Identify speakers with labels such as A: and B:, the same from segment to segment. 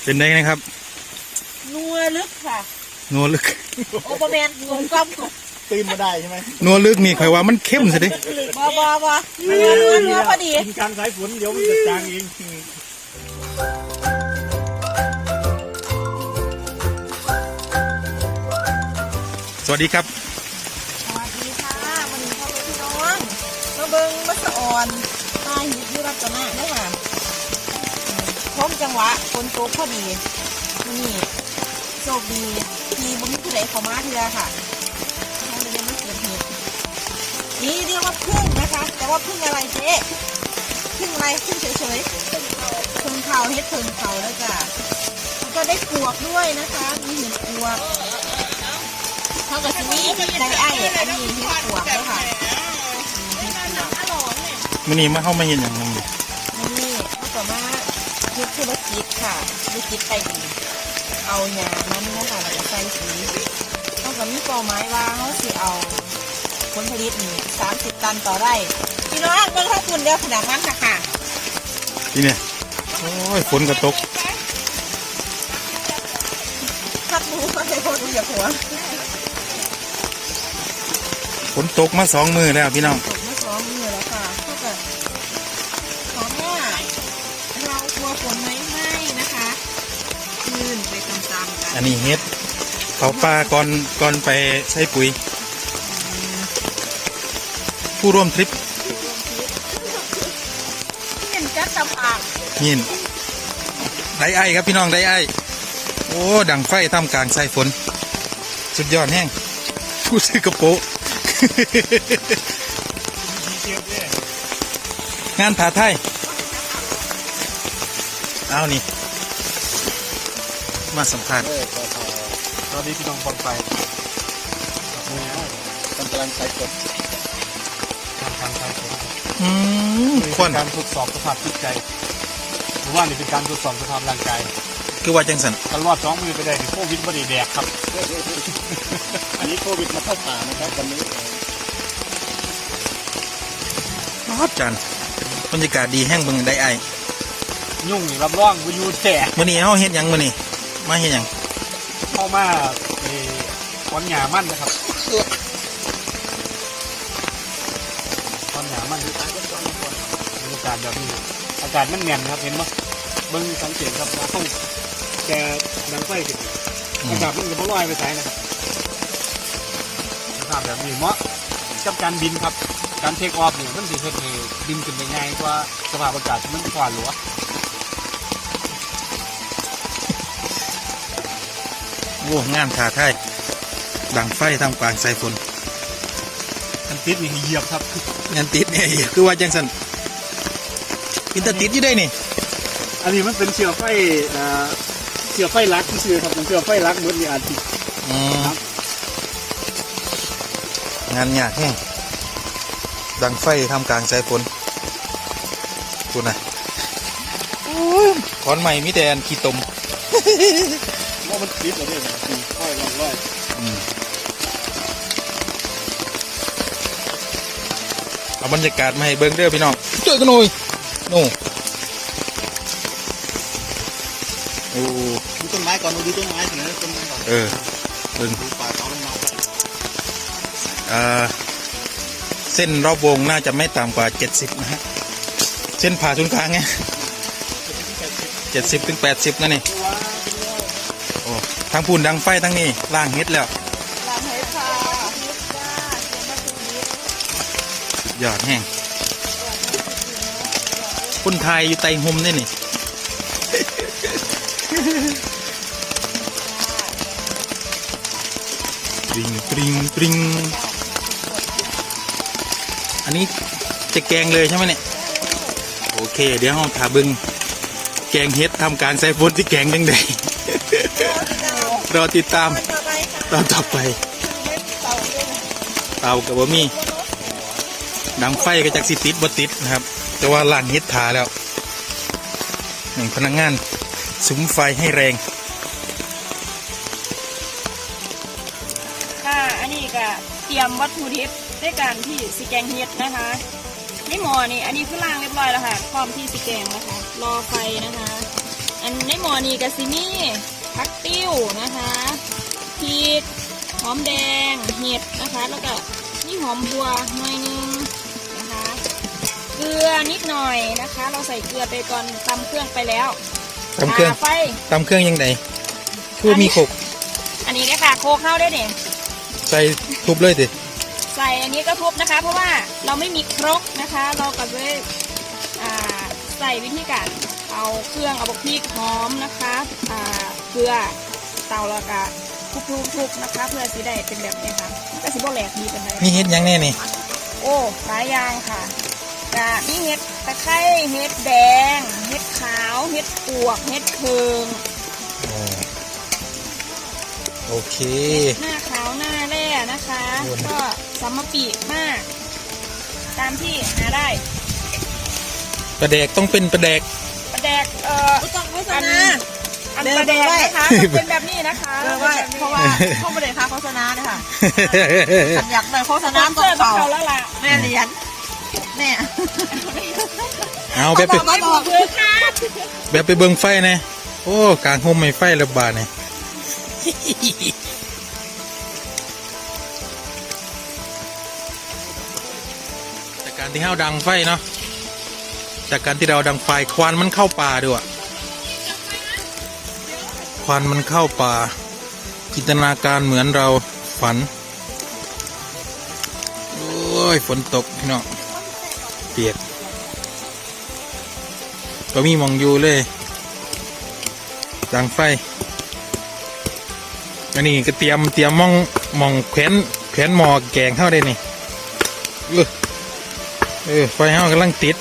A: เป็นได้ไงครับ
B: นัวลึกค่ะ
A: นัวลึก
B: โอปแมนงงกล้ำ
C: ตื่นมาได้ใช่ไหม
A: นัวลึกนี่ข่อยว่ามันเข้มสิดิ
B: บ่นัวพอดี
C: กินการสายฝนเดี๋ยวมันจะจางเอง
A: สวัสดีครับ
B: สวัสดีค่ะวันนี้พ่อพี่น้องมาเบิ้งมัสอ่อนตาหิบยุรัตนะได้ค่ะพร้อมจังหวะฝนตกพอดีนี่โชคดีที่บุญผู้ใดเข้ามาเถื่อค่ะเขาเลยยังไม่เกิดเหตุนี่เรียกว่าพึ่งนะคะแต่ว่าพึ่งอะไรเจ๊พึ่งอะไรพึ่งเฉยๆพึ่งเขาเฮ็ดพึ่งเขาแล้วจ้ะก็ได้ปวกด้วยนะคะมีเห็ดปวกเท่ากับที่นี่ได้ไอ้อันนี้เห็ดปวกแล้วค่ะ
A: มื้อนี้มาเข้ามาเห็นอย่างนึง
B: นี่เขาก็มาเฮ็ดธุรกิจค่ะธุรกิจไก่ดีเอาหญ้ามันนะคะแล้วก็ใส่สีเขาก็มีเป้าหมายว่าเขาสิเอาผลผลิตนี่30 ตันต่อไร่พี่น้องเบิ่งข้าวคุณเดียวขนาดนั้นค่ะ
A: นี่เนี่ยโอ้ยฝนก็ตก
B: พัดมูมาใส่คนอย่าหัว
A: ฝนตกมา2 มื้อแล้วพี่น้อง
B: ตกมา2 มื้อแล้วค่ะเขาก็ขอว่าเรากลัวฝนไหมนะคะคืนไปตามๆกัน
A: อันนี้เฮ็ดเขาปลาก่อนไปใช้ปุ๋ยผู้ร่วมทริป
B: เห็นจัดตำอ่าง
A: นี่ได้ไอ้ครับพี่น้องได้ไอ้โอ้ดังไฟทำกลางสายฝนสุดยอดแห้งผู้ซื้อกระโปะงานผาไทยเอานี่มาสัมภาษณ์
C: ตอนนี้พี่น้องฟังไปกำลังใช้กดการใช้กดการทดสอบสภาพจิตใจหรือว่านี่เป็นการทดสอบสภาพร่างกาย
A: คือว่าจังสัน
C: ตลอด2 มือไปได้โควิดไม่ได้แดกครับอันนี้โควิดมาเข้าป่านะครับวันนี้
A: ครับจันบรรยากาศดีแห้งเบิ่งได้ไอ้
C: ยุ่งรับรองวิวแตก
A: มื้อนี้เฮาเฮ็ดหยังมื้อนี้มาเฮ็ดหยัง
C: เข้ามาก้อนหญ้ามันนะครับก้อนหญ้ามันบรรยากาศแบบนี้อากาศมันแน่นครับเห็นไหมเบิ่งสังเกตครับว่าเขาแกดังไฟสิอากาศมันจะไม่ลอยไปไหนนะครับสภาพแบบนี้เหมาะกับการบินครับการเทคออฟเนี่ยมันสิเฮ็ดให้บินขึ้นได้ง่ายกว่าสภาพอากาศที่มันฟ้าหลัว
A: โอ้งานผาไทยดังไฟทำกลางสายฝน
C: กันติดนี่เหยียบครับ
A: งานติดเนี่ยคือว่าจังสันอินเตอร์ติดอยู่ได้นี่
C: อันนี้มันเป็นเชื้อไฟลักที่ชื่อครับเป็นเชื้อไฟลักเหมือนมีอาทิตย์
A: งานยากแห้งดังไฟทำกลางสายฝนดูนะขอนใหม่มิแต่อันขี้ตม
C: ว่ามันติดอะไรเนี่ยค่อยลอย
A: เอาบรรยากาศมาให้เบิ้งเด้อพี่น้องเจอกันหน่อยโน่
C: ดูต้นไม้ก่อนดูต้นไม้ถึงนะต้นไม้ก่อน
A: เบิ้ง
C: ป่าเขาลงมา
A: เส้นรอบวงน่าจะไม่ต่ำกว่า70นะฮะเส้นผ่าศูนย์กลางไง70 ถึง 80นั่นนี่โอ้ทั้งพูนดังไฟทั้งนี้ล่างเฮ็ดแล้ว
B: ล่างเฮ็ดค่ะ
A: ยอดแห้งคนไทยอยู่ไต่ห่มนี่นี่ปริงอันนี้จะแกงเลยใช่ไหมเนี่ยโอเคเดี๋ยวเราถาบึงแกงเฮ็ดทำการใส่ฝนที่แกงดังๆรอติดตามตอนต่อไปเตากับบะหมี่ดังไฟก็จากสิติดบ่ติดนะครับแต่ว่าล่างเฮ็ดถาแล้วหนึ่งพนักงานสุมไฟให้แรง
B: ค่ะอันนี้ก็เตรียมวัตถุดิบในการที่สิแกงเฮ็ดนะคะในหม้อนี่อันนี้คือล้างเรียบร้อยแล้วค่ะพร้อมที่สิแกงนะคะรอไฟนะคะอันในหมอนี่กับซินี่ผักติ้วนะคะพริกหอมแดงเห็ดนะคะแล้วก็นี่หอมบัวหน่อยนึงนะคะเกลือนิดหน่อยนะคะ เราใส่เกลือไปก่อนตำเครื่องไปแล้ว
A: ตำเครื่อง
B: ไฟ
A: ตำเครื่องยังไงคือว่ามีโขก
B: อันนี้เนี่ยค่ะโคเข้าได้เนี่ย
A: ใส่ทุบเลยสิ
B: ใส่อันนี้ก็ทุบนะคะ เพราะว่าเราไม่มีครกนะคะ เราก็เลยใส่วิธีการเอาเครื่องเอาพริกหอมนะคะเกลือเตาแล้วก็ทุบๆนะคะ เพื่อสีได้เป็นแบบนี้ค่ะก็สีโบแหลกดีเป็นไร
A: มีเฮ็ดหยังแน่นี่
B: โอ้หลายอย่างค่ะกะมีเห็ดตะไคร้เห็ดแดงเห็ดขาวเห็ดปวกเห็ดเพิง
A: โอเค
B: หน้าขาวหน้าแร่นะคะ ก็สามปีมาก ตามที่หาได้
A: ปลาแดกต้องเป็นปลาแดก
B: ปลาแดก
D: ต้องโฆษ
B: อัน
D: ณา
B: อันปลาแดกนะคะเป็นแบบนี้นะคะ
D: เพราะว่าเข้ามาเลยค่ะโฆษณาเนี่ยค่ะฉันอยากเลยโฆษณา
B: เสื้
D: ต่
B: อ
D: อ
B: เขาแล้วล่ะ
D: แม่เรียนแม่
A: เอาแบบไป
D: มาบอก
B: คือค่ะ
A: แบบไปเบิ่งไฟนะโอ้กลางโฮมไม่ไฟระบาดเนี่ย จากการที่เราดังไฟเนาะจากการที่เราดังไฟควันมันเข้าป่าด้วยควันมันเข้าป่าจินตนาการเหมือนเราฝันโอ้ยฝนตกพี่น้องเปียกก็มีมองอยู่เลยดังไฟอันนี้ก็เตรียมมองแขวนหมอแกงเข้าได้นี่ไฟเข้ากำลังติด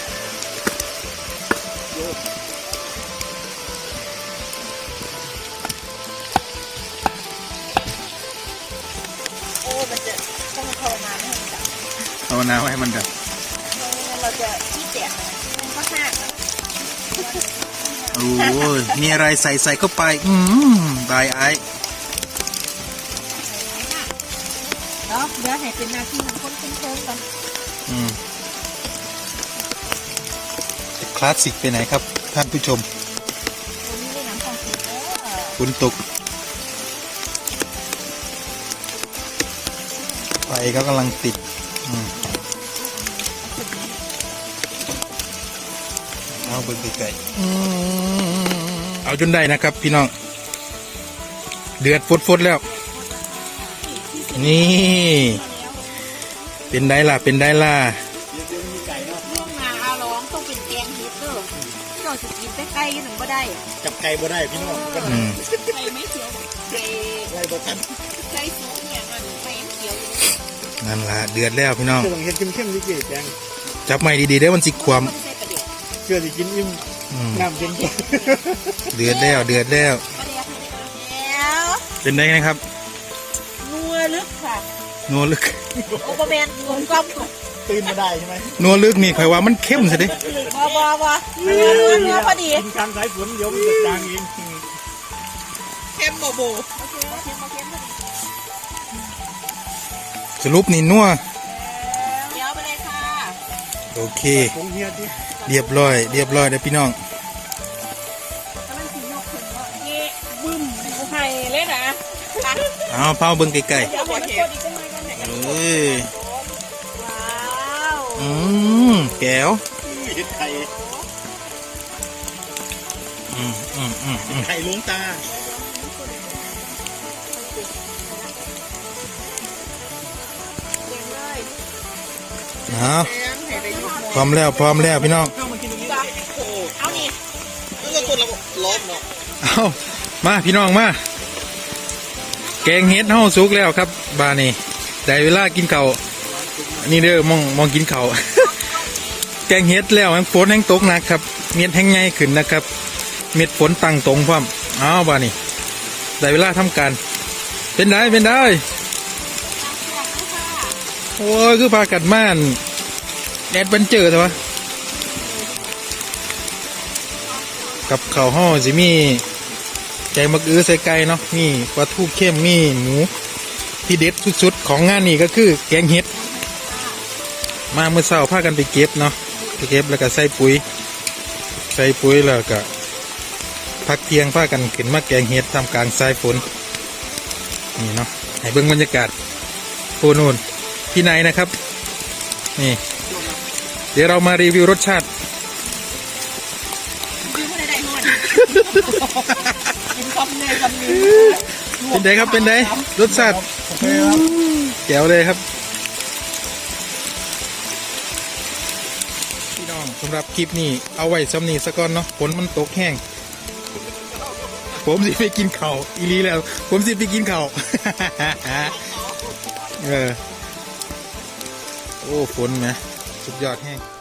B: โอ้มันจะต้องภาวนาให้มันดับ
A: เอาน้ำให้มันดับ
B: เราจะขี้แตกมันก็หักนะ
A: โอ้ยมีอะไรใส่เข้าไปตายไอ้
D: เนาะเดี๋ยวให้เป็นหน้าที่ของคนเป็นโค้งกัน
A: จะคลาสสิกไปไหนครับท่านผู้ชม
D: ตัวนี้ได้น้ำของสีเออ
A: ฝนตกไฟก็กำลังติดเอาเบิ่งไกลๆเอาจนได้นะครับพี่น้องเดือดฟดๆแล้ว นี่เป็นได้ล่ะเป็นได้ล่ะ
D: ล่วงนาอาร้องต้องเป็นแกงเฮ็ดเด้อเจ้าสิกินใกล้ๆถึงบ่ได้
C: จับไก่บ่ได้พี่น้อง
B: ไข่ไม่เขียวไข่
C: ไก่บ่ทัน
B: ไข่สุกเนี่ยมันไข่เขียวอยู่
A: นั่นล่ะเดือดแล้วพี่น้อง
C: เชื่อต้องเห็ดเข้มๆดิเกแจง
A: จับไม่ดีๆเด้อมันสิความ
B: ไม่ใช่ประเดี๋ยว
C: เชื่อสิกินอิ่มน้ำเย็น
A: เดือดแล้วเดือดแล้ว
B: ประเดี๋ยวให้ได้แล้ว
A: เป็นได้ไงครับ
B: นัวลึกค่ะ
A: นัวลึก
D: โอเปอร์แมนงงก้อม
C: ตื่นมาได้ใช่ไหม
A: นัวลึกนี่ใครว่ามันเข้มซะดิ
D: บ่นัวพอดี
C: กินกลางสายฝนเดี๋ยวมันจะจางเอง
D: เข้มโบโบ
A: สรุปนี่นัว
D: เดี๋ยวไปเลยค่ะ
A: โอเค
C: ผงเฮียดิ
A: เรียบร้อยเด้อพี่น้อง
B: กำลังสีนกถึงว่าเย่บึ้มกูไข่เลยนะ
A: เอาเผาเบิ่งไกล
B: เดี๋ยวให้มันกดอีกสักหน่อยก่อนเนี่ย
A: ๆเอ้ย
B: ว้าว
A: แก้ว
C: เห็ดไข่ ไข่หลวงตา
B: เก่งเลย
A: เอาพร้อมแล้วพี่น้อง
C: เข้ามากินตรงนี้
B: เอานี่
C: แล้วก็กดระบบล้อมเนาะ
A: เอามาพี่น้องมาแกงเฮ็ดเฮาสุกแล้วครับบานี่ได้เวลากินข้าวนี่เด้อมองกินข้าว แกงเฮ็ดแล้วฝนแห้งตกหนักครับเม็ดแห้งใหญ่ขึ้นนะครับ เม็ดฝนตั้งตรงพร้อมเอาบานี่ได้เวลาทำการเป็นได้โอ้ยคือพากัดม่านแอดเวนเจอร์ใช่ปะกับข้าวห่อสิมีแกงมักอื้อใส่ไก่เนาะมีปลาทูเข้มมีหมูที่เด็ดสุดๆของงานนี้ก็คือแกงเห็ดมาเมื่อเช้าพากันไปเก็บเนาะไปเก็บแล้วก็ใส่ปุ๋ยแล้วก็พักเที่ยงพากันขึ้นมาแกงเห็ดทำกลางสายฝนนี่เนาะให้เบิ่งบรรยากาศโอ้นู่นพี่นายนะครับนี่เดี๋ยวเรามารีวิวรสชาติ
B: กินไม่ได้หมดกินคำเนี่ยคำนี้
A: เป็นไงครับเป็นไงรสชาติแจ๋วเลยครับพี่น้องสำหรับคลิปนี้เอาไว้ซ้ำนี้สักก่อนเนาะฝนมันตกแห้งผมสิไปกินข้าวอีหลีแล้ว ผมสิไปกินข้าว โอ้ฝนไหมสุดยอดแห้ง